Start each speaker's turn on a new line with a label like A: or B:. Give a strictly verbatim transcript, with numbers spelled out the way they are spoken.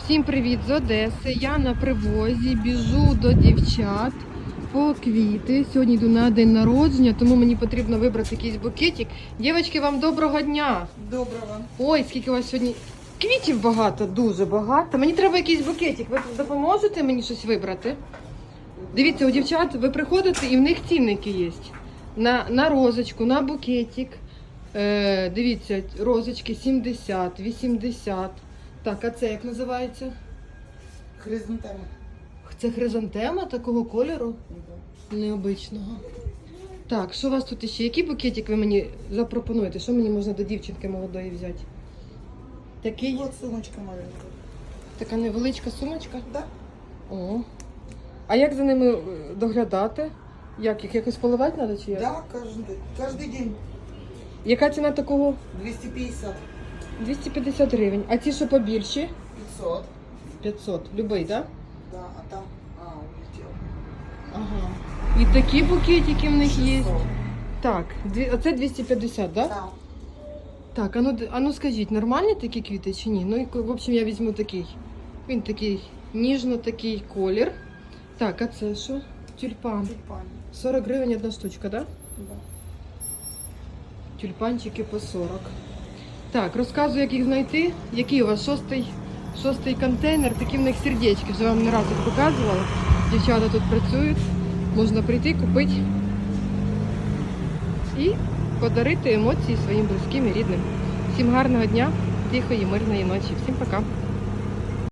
A: Всім привіт з Одеси. Я на привозі, біжу до дівчат по квіти. Сьогодні йду на день народження, тому мені потрібно вибрати якийсь букетик. Дівчатки, вам доброго дня!
B: Доброго.
A: Ой, скільки у вас сьогодні квітів багато, дуже багато. Мені треба якийсь букетик. Ви допоможете мені щось вибрати? Дивіться, у дівчат ви приходите і в них цінники є. На, на розочку, на букетик. Е, дивіться, розочки сімдесят, вісімдесят. Так, а це як називається?
B: Хризантема.
A: Це хризантема такого кольору? Необичного. Так, що у вас тут ще? Який букетик ви мені запропонуєте? Що мені можна до дівчинки молодої взяти? Такий?
B: Вот сумочка маленька.
A: Така невеличка сумочка?
B: Да.
A: О. А як за ними доглядати? Як їх якось поливати треба чи як?
B: Да, каждый, каждый день.
A: Яка ціна такого?
B: двести пятьдесят.
A: двісті п'ятдесят гривень. А ті, що побільші?
B: пятьсот.
A: п'ятсот. Любий, так?
B: Да, а там... А, улетел.
A: Ага. І такі букетики в них є.
B: шестьсот.
A: Так, дві- оце двісті п'ятдесят, так? Да?
B: Да.
A: Так, а ну, д- а ну скажіть, нормальні такі квіти чи ні? Ну, і, в общем, я візьму такий. Він такий, ніжно такий колір. Так, а це що? Тюльпан.
B: Тюльпан.
A: сорок гривень одна штучка, так? Да?
B: Да.
A: Тюльпанчики по сорок. Так, розказую, як їх знайти. Який у вас шостий, шостий контейнер, такі в них сердечки. Вже вам не раз їх показувала. Дівчата тут працюють. Можна прийти, купити і подарити емоції своїм близьким і рідним. Всім гарного дня, тихої, мирної ночі. Всім пока.